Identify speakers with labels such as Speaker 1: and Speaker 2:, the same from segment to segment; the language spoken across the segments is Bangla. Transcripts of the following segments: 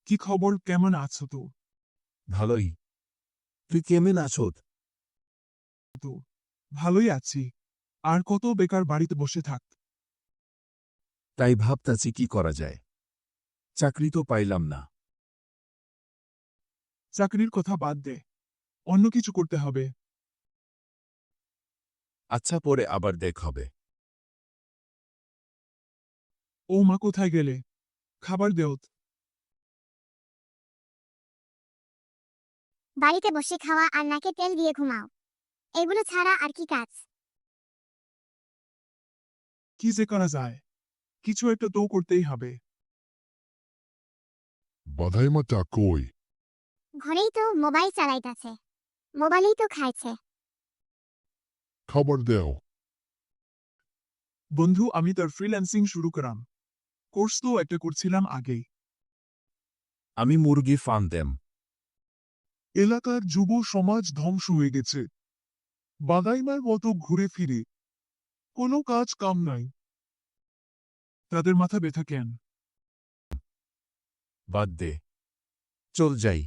Speaker 1: কি খবর, কেমন আছো তো?
Speaker 2: ভালোই। তুই কেমন আছো?
Speaker 1: ভালোই আছি। আর কত বেকার বাড়িতে বসে থাক।
Speaker 2: তাই ভাবতাছি কি করা যায়। চাকরি তো পাইলাম না।
Speaker 1: চাকরির কথা বাদ দে, অন্য কিছু করতে হবে।
Speaker 2: আচ্ছা, পরে আবার দেখ হবে।
Speaker 1: ও মা, কোথায় গেলে? খাবার দেওত।
Speaker 3: বাড়িতে বসে খাওয়া আর নাকে তেল দিয়ে ঘুমাও, এগুলো ছাড়া আর কি কাজ?
Speaker 1: কি যে করা যায়, কিছু একটা তো করতেই হবে।
Speaker 4: বাধাইমাটা কই?
Speaker 3: ঘরেই তো মোবাইল চালাইতাছে, মোবাইলেই তো খাইছে।
Speaker 4: খাবার দেও।
Speaker 1: বন্ধু, আমি তার ফ্রিল্যান্সিং শুরু করাম। কোর্স তো একটা করছিলাম আগেই।
Speaker 2: আমি মুরগি ফার্ম দেম।
Speaker 1: এলাকার যুব সমাজ ধ্বংস হয়ে গেছে। বাদাইমার মতো ঘুরে ফিরে কোনো কাজ কাম নাই। তাদের মাথা ব্যথা কেন?
Speaker 2: বাদ দে, চল যাই।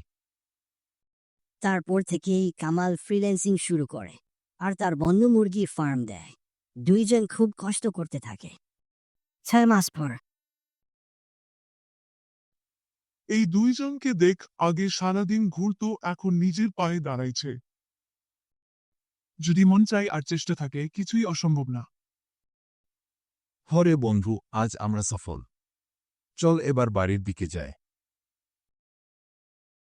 Speaker 5: তারপর থেকেই কামাল ফ্রিল্যান্সিং শুরু করে আর তার বন্ধু মুরগির ফার্ম দেয়। দুইজন খুব কষ্ট করতে থাকে। 6 মাস পর
Speaker 1: এই দুইজনকে দেখ, আগে সারাদিন ঘুরতো, এখন নিজের পায়ে দাঁড়াইছে। যদি মন চাই আর চেষ্টা থাকে, কিছুই অসম্ভব না।
Speaker 2: হরে বন্ধু, আজ আমরা সফল। চল এবার বাড়ির দিকে যাই।